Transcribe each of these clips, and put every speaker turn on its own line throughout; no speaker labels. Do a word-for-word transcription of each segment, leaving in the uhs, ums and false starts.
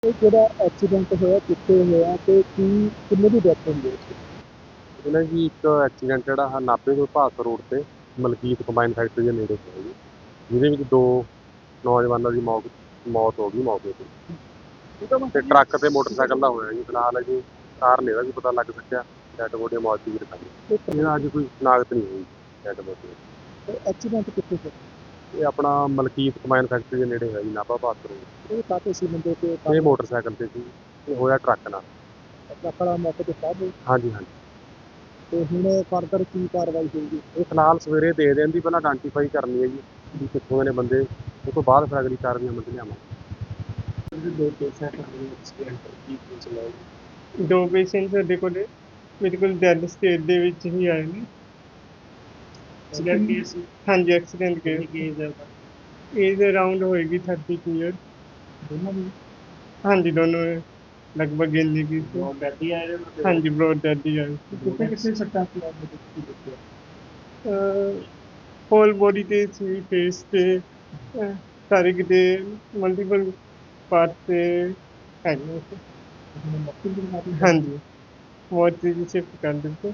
ਇਹ ਜਿਹੜਾ ਐਕਸੀਡੈਂਟ ਹੋਇਆ ਕਿੱਥੇ ਹੋਇਆ ਤੇ ਕੀ ਕਿੰਨੇ ਦੀ ਡੈਥ ਹੋਈ ਹੈ ਇਸ 'ਚ?
ਇਹ ਨਾ ਜੀ ਇੱਕ ਐਕਸੀਡੈਂਟ ਜਿਹੜਾ ਆਹ ਨਾਭੇ ਤੋਂ ਭਾਸਪੁਰ ਰੋਡ ਤੇ ਮਲਕੀਤ ਕੰਬਾਈਨ ਫੈਕਟਰੀ ਦੇ ਨੇੜੇ ਹੋਇਆ ਜੀ, ਜਿਹਦੇ ਵਿੱਚ ਦੋ ਨੌਜਵਾਨਾਂ ਦੀ ਮੌਤ ਮੌਤ ਹੋ ਗਈ ਮੌਕੇ ਤੇ ਤੇ ਟਰੱਕ ਤੇ ਮੋਟਰਸਾਈਕਲ ਦਾ ਹੋਇਆ ਜੀ। ਫਿਲਹਾਲ ਅਜੇ ਕਾਰਨ ਇਹਦਾ ਵੀ ਪਤਾ ਲੱਗ ਸਕਿਆ। ਡੈਡ ਬੋਡੀ ਮੌਤ ਦੀ ਰਖਾਈ ਇਹਦਾ ਅੱਜ ਕੋਈ ਸ਼ਨਾਖਤ ਨਹੀਂ ਹੋਈ ਡੈਡ ਬੋਡੀ।
ਇਹ ਐਕਸੀਡੈਂਟ ਕਿੱਥੇ ਹੋਇਆ?
ਇਹ ਆਪਣਾ ਮਲਕੀਤ ਕੰਬਾਈਨ ਫੈਕਟਰੀ ਦੇ ਨੇੜੇ ਹੋਇਆ ਜੀ, ਨਾਭਾ ਭਾਸਪੁਰ ਰੋਡ।
ਇਹ ਕਾਹਤੇ ਸੀ ਬੰਦੇ ਤੇ
ਇਹ ਮੋਟਰਸਾਈਕਲ ਤੇ ਸੀ, ਇਹ ਹੋਇਆ ਟਰੱਕ ਨਾਲ।
ਟਰੱਕ ਵਾਲਾ ਮੌਕੇ ਤੇ ਸਾਹ
ਹਾਂਜੀ ਹਾਂਜੀ।
ਤੇ ਹੁਣ ਫਰਦਰ ਕੀ ਕਾਰਵਾਈ ਹੋਊਗੀ?
ਇਹ ਫਿਲਹਾਲ ਸਵੇਰੇ ਦੇ ਦੇਣ ਦੀ ਪਹਿਲਾਂ ਆਇਡੈਂਟੀਫਾਈ ਕਰਨੀ ਹੈ ਜੀ ਵੀ ਕਿੱਥੋਂ ਦੇ ਨੇ ਬੰਦੇ, ਉਸ ਤੋਂ ਬਾਅਦ ਫਿਰ ਅਗਲੀ ਕਾਰਵਾਈ ਅਮਲ 'ਚ ਲਿਆਵਾਂਗੇ।
ਦੋ ਪੇਸ਼ੈਂਟ ਹੋਏ ਐਕਸੀਡੈਂਟ ਕੀ ਪੁੱਛ ਲਓ।
ਦੋ ਪੇਸ਼ੈਂਟ ਸਾਡੇ ਕੋਲ ਮੇਰੇ ਕੋਲ ਡੈਡ ਸਟੇਟ ਦੇ ਵਿੱਚ ਹੀ ਆਏ ਨੇ।
ਐਕਸੀਡੈਂਟ ਕੇਸ
ਹਾਂਜੀ, ਐਕਸੀਡੈਂਟ ਕੇਸ।
ਕੇਸ ਹੈ
ਏਜ ਅਰਾਊਂਡ ਹੋਏਗੀ ਥਰਟੀ ਕੁ ਈਅਰ।
ਦੋਨਾਂ ਦੀ
ਹਾਂਜੀ, ਦੋਨੋਂ ਲਗਭਗ ਇੰਨੀ ਕੀ ਸੀ।
ਬਹੁਤ ਬੈਠੀ ਆਏ ਨੇ
ਹਾਂਜੀ, ਬਰੋਡ ਡੈਡ ਹੀ ਆਏ ਸੀ।
ਕਿੱਥੇ ਕਿੱਥੇ ਸੱਟਾਂ ਸੀ ਆਪ ਦੇ ਕੀ ਦੇਖਿਆ?
ਹੋਲ ਬੋਡੀ ਤੇ ਸੀ, ਫੇਸ ਤੇ ਅਹ, ਸਾਰੇ ਕਿਤੇ ਮਲਟੀਪਲ ਪਾਰਟ ਤੇ ਹੈਗੇ ਸੀ।
ਮੱਕੀ ਦੀ ਬਿਮਾਰੀ
ਹਾਂਜੀ, ਮੋਰਚਰੀ ਦੀ ਸ਼ਿਫਟ ਕਰ ਦਿੱਤੇ।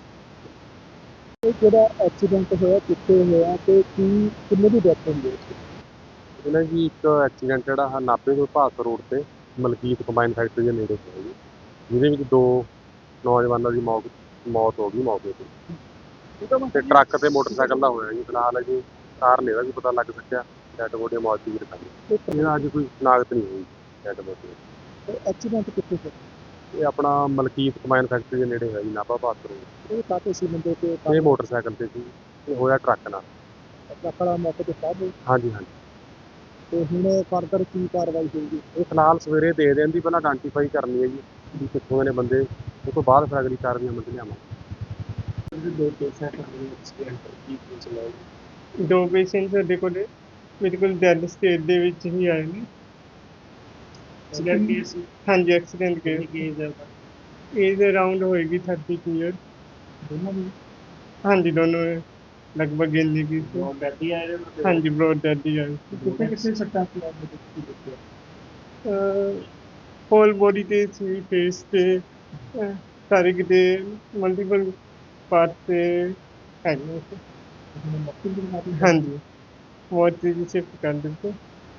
ਇਹ ਜਿਹੜਾ ਐਕਸੀਡੈਂਟ ਹੋਇਆ ਕਿੱਥੇ ਹੋਇਆ ਤੇ ਕੀ ਕਿੰਨੇ ਦੀ ਡੈਥ ਹੋਈ ਹੈ ਇਸ 'ਚ?
ਇਹ ਨਾ ਜੀ ਇੱਕ ਐਕਸੀਡੈਂਟ ਜਿਹੜਾ ਆਹ ਨਾਭੇ ਤੋਂ ਭਾਸਪੁਰ ਰੋਡ ਤੇ ਮਲਕੀਤ ਕੰਬਾਈਨ ਫੈਕਟਰੀ ਦੇ ਨੇੜੇ ਹੋਇਆ ਜੀ, ਜਿਹਦੇ ਵਿੱਚ ਦੋ ਨੌਜਵਾਨਾਂ ਦੀ ਮੌਤ ਮੌਤ ਹੋ ਗਈ ਮੌਕੇ ਤੇ ਤੇ ਟਰੱਕ ਤੇ ਮੋਟਰਸਾਈਕਲ ਦਾ ਹੋਇਆ ਜੀ। ਫਿਲਹਾਲ ਅਜੇ ਕਾਰਨ ਇਹਦਾ ਵੀ ਪਤਾ ਲੱਗ ਸਕਿਆ। ਡੈਡ ਬੋਡੀ ਮੌਤ ਦੀ ਰਖਾਈ ਇਹਦਾ ਅੱਜ ਕੋਈ ਸ਼ਨਾਖਤ ਨਹੀਂ ਹੋਈ ਡੈਡ ਬੋਡੀ।
ਇਹ ਐਕਸੀਡੈਂਟ ਕਿੱਥੇ ਹੋਇਆ?
ਇਹ ਆਪਣਾ ਮਲਕੀਤ ਕੰਬਾਈਨ ਫੈਕਟਰੀ ਦੇ ਨੇੜੇ ਹੋਇਆ ਜੀ, ਨਾਭਾ ਭਾਸਪੁਰ ਰੋਡ।
ਇਹ ਕਾਹਤੇ ਸੀ ਬੰਦੇ ਤੇ
ਇਹ ਮੋਟਰਸਾਈਕਲ ਤੇ ਸੀ, ਇਹ ਹੋਇਆ ਟਰੱਕ ਨਾਲ।
ਟਰੱਕ ਵਾਲਾ ਮੌਕੇ ਤੇ ਸਾਹ
ਹਾਂਜੀ ਹਾਂਜੀ।
ਤੇ ਹੁਣ ਫਰਦਰ ਕੀ ਕਾਰਵਾਈ ਹੋਊਗੀ?
ਇਹ ਫਿਲਹਾਲ ਸਵੇਰੇ ਦੇ ਦੇਣ ਦੀ ਪਹਿਲਾਂ ਆਇਡੈਂਟੀਫਾਈ ਕਰਨੀ ਹੈ ਜੀ ਵੀ ਕਿੱਥੋਂ ਦੇ ਨੇ ਬੰਦੇ, ਉਸ ਤੋਂ ਬਾਅਦ ਫਿਰ ਅਗਲੀ ਕਾਰਵਾਈ ਅਮਲ 'ਚ ਲਿਆਵਾਂਗੇ।
ਦੋ ਪੇਸ਼ੈਂਟ ਹੋਏ ਐਕਸੀਡੈਂਟ ਕੀ ਪੁੱਛ ਲਓ।
ਦੋ ਪੇਸ਼ੈਂਟ ਸਾਡੇ ਕੋਲ ਮੇਰੇ ਕੋਲ ਡੈਡ ਸਟੇਟ ਦੇ ਵਿੱਚ ਹੀ ਆਏ ਨੇ।
ਐਕਸੀਡੈਂਟ ਕੇਸ
ਹਾਂਜੀ, ਐਕਸੀਡੈਂਟ ਕੇਸ।
ਕੇਸ ਹੈ
ਏਜ ਅਰਾਊਂਡ ਹੋਏਗੀ ਥਰਟੀ ਕੁ ਈਅਰ।
ਦੋਨਾਂ ਦੀ
ਹਾਂਜੀ, ਦੋਨੋਂ ਲਗਭਗ ਇੰਨੀ ਕੀ ਸੀ।
ਬਹੁਤ ਬੈਠੀ ਆਏ ਨੇ
ਹਾਂਜੀ, ਬਰੋਡ ਡੈਡ ਹੀ ਆਏ ਸੀ।
ਕਿੱਥੇ ਕਿੱਥੇ ਸੱਟਾਂ ਸੀ ਆਪ ਦੇ ਕੀ ਦੇਖਿਆ?
ਹੋਲ ਬੋਡੀ ਤੇ ਸੀ, ਫੇਸ ਤੇ ਅਹ, ਸਾਰੇ ਕਿਤੇ ਮਲਟੀਪਲ ਪਾਰਟ ਤੇ ਹੈਗੇ ਸੀ।
ਮੱਕੀ ਦੀ ਬਿਮਾਰੀ
ਹਾਂਜੀ, ਮੋਰਚਰੀ ਦੀ ਸ਼ਿਫਟ ਕਰ ਦਿੱਤੇ।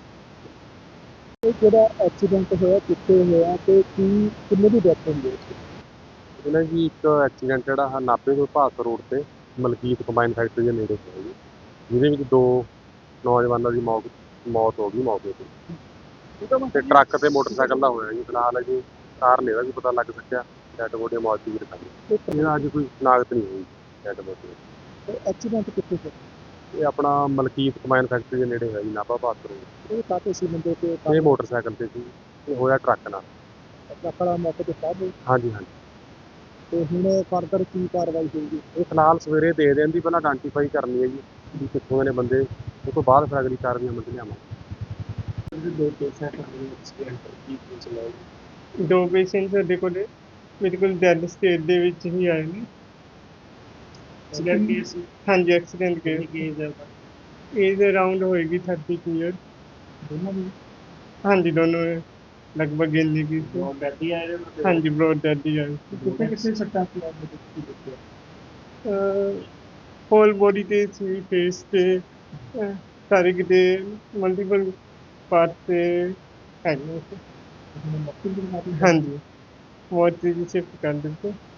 ਇਹ ਜਿਹੜਾ ਐਕਸੀਡੈਂਟ ਹੋਇਆ ਕਿੱਥੇ ਹੋਇਆ ਤੇ ਕੀ ਕਿੰਨੇ ਦੀ ਡੈਥ ਹੋਈ ਹੈ ਇਸ 'ਚ?
ਇਹ ਨਾ ਜੀ ਇੱਕ ਐਕਸੀਡੈਂਟ ਜਿਹੜਾ ਆਹ ਨਾਭੇ ਤੋਂ ਭਾਸਪੁਰ ਰੋਡ ਤੇ ਮਲਕੀਤ ਕੰਬਾਈਨ ਫੈਕਟਰੀ ਦੇ ਨੇੜੇ ਹੋਇਆ ਜੀ, ਜਿਹਦੇ ਵਿੱਚ ਦੋ ਨੌਜਵਾਨਾਂ ਦੀ ਮੌਤ ਮੌਤ ਹੋ ਗਈ ਮੌਕੇ ਤੇ ਤੇ ਟਰੱਕ ਤੇ ਮੋਟਰਸਾਈਕਲ ਦਾ ਹੋਇਆ ਜੀ। ਫਿਲਹਾਲ ਅਜੇ ਕਾਰਨ ਇਹਦਾ ਵੀ ਪਤਾ ਲੱਗ ਸਕਿਆ। ਡੈਡ ਬੋਡੀ ਮੌਤ ਦੀ ਰਖਾਈ ਇਹਦਾ ਅੱਜ ਕੋਈ ਸ਼ਨਾਖਤ ਨਹੀਂ ਹੋਈ ਡੈਡ ਬੋਡੀ।
ਇਹ ਐਕਸੀਡੈਂਟ ਕਿੱਥੇ ਹੋਇਆ?
ਇਹ ਆਪਣਾ ਮਲਕੀਤ ਕੰਬਾਈਨ ਫੈਕਟਰੀ ਦੇ ਨੇੜੇ ਹੋਇਆ ਜੀ, ਨਾਭਾ ਭਾਸਪੁਰ ਰੋਡ।
ਇਹ ਕਾਹਤੇ ਸੀ ਬੰਦੇ ਤੇ
ਇਹ ਮੋਟਰਸਾਈਕਲ ਤੇ ਸੀ, ਇਹ ਹੋਇਆ ਟਰੱਕ ਨਾਲ।
ਟਰੱਕ ਵਾਲਾ ਮੌਕੇ ਤੇ ਸਾਹ
ਹਾਂਜੀ ਹਾਂਜੀ।
ਤੇ ਹੁਣ ਫਰਦਰ ਕੀ ਕਾਰਵਾਈ ਹੋਊਗੀ?
ਇਹ ਫਿਲਹਾਲ ਸਵੇਰੇ ਦੇ ਦੇਣ ਦੀ ਪਹਿਲਾਂ ਆਇਡੈਂਟੀਫਾਈ ਕਰਨੀ ਹੈ ਜੀ ਵੀ ਕਿੱਥੋਂ ਦੇ ਨੇ ਬੰਦੇ, ਉਸ ਤੋਂ ਬਾਅਦ ਫਿਰ ਅਗਲੀ ਕਾਰਵਾਈ ਅਮਲ 'ਚ ਲਿਆਵਾਂਗੇ।
ਦੋ ਪੇਸ਼ੈਂਟ ਹੋਏ ਐਕਸੀਡੈਂਟ ਕੀ ਪੁੱਛ ਲਓ।
ਦੋ ਪੇਸ਼ੈਂਟ ਸਾਡੇ ਕੋਲ ਮੇਰੇ ਕੋਲ ਡੈਡ ਸਟੇਟ ਦੇ ਵਿੱਚ ਹੀ ਆਏ ਨੇ।
ਐਕਸੀਡੈਂਟ ਕੇਸ
ਹਾਂਜੀ, ਐਕਸੀਡੈਂਟ ਕੇਸ।
ਕੇਸ ਹੈ
ਏਜ ਅਰਾਊਂਡ ਹੋਏਗੀ ਥਰਟੀ ਕੁ ਈਅਰ।
ਦੋਨਾਂ ਦੀ
ਹਾਂਜੀ, ਦੋਨੋਂ ਲਗਭਗ ਇੰਨੀ ਕੀ ਸੀ।
ਬਹੁਤ ਬੈਠੀ ਆਏ ਨੇ
ਹਾਂਜੀ, ਬਰੋਡ ਡੈਡ ਹੀ ਆਏ ਸੀ।
ਕਿੱਥੇ ਕਿੱਥੇ ਸੱਟਾਂ ਸੀ ਆਪ ਦੇ ਕੀ ਦੇਖਿਆ?
ਹੋਲ ਬੋਡੀ ਤੇ ਸੀ, ਫੇਸ ਤੇ ਅਹ, ਸਾਰੇ ਕਿਤੇ ਮਲਟੀਪਲ ਪਾਰਟ ਤੇ ਹੈਗੇ ਸੀ।
ਮੱਕੀ ਦੀ ਬਿਮਾਰੀ
ਹਾਂਜੀ, ਮੋਰਚਰੀ ਦੀ ਸ਼ਿਫਟ ਕਰ ਦਿੱਤੇ।